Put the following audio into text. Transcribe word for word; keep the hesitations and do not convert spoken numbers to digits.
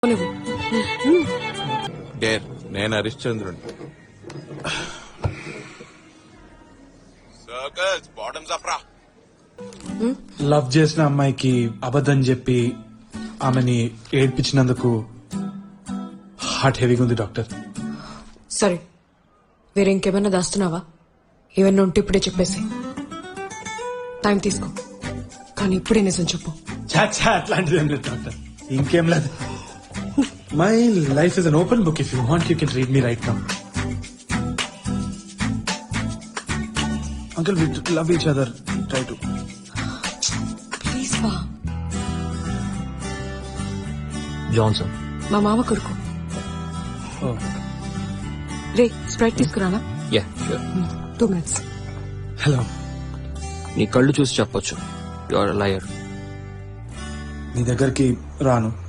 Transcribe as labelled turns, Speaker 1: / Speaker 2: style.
Speaker 1: నువ్వు
Speaker 2: డేర్ నేను హరిశ్చంద్రుని. సర్కస్ బాటమ్స్ అప్ రా.
Speaker 3: లవ్ చేసిన అమ్మాయికి అబద్ధం చెప్పి ఆమెని ఏడ్పించినందుకు హార్ట్ హెవీగా ఉంది డాక్టర్.
Speaker 1: సరే, వేరే ఇంకేమైనా దాస్తున్నావా? ఏమన్నా ఉంటే ఇప్పుడే చెప్పేసి. టైం తీసుకో, కానీ ఇప్పుడే నిజం చెప్పు.
Speaker 3: చాచా అట్లాంటిది ఏం లేదు డాక్టర్, ఇంకేం లేదు. My life is an open book. If you want you can read me right now. Uncle, we love each other. Try to
Speaker 1: please వా.
Speaker 4: జాన్సన్
Speaker 1: మా మామ కొడుకు. రే, స్ప్రైట్ తీసుకురానా?
Speaker 4: Yeah sure.
Speaker 1: Two minutes.
Speaker 3: Hello.
Speaker 4: నీ కళ్ళు చూసి చెప్పొచ్చు యు ఆర్ లయర్.
Speaker 3: నీ దగ్గరికి రాను,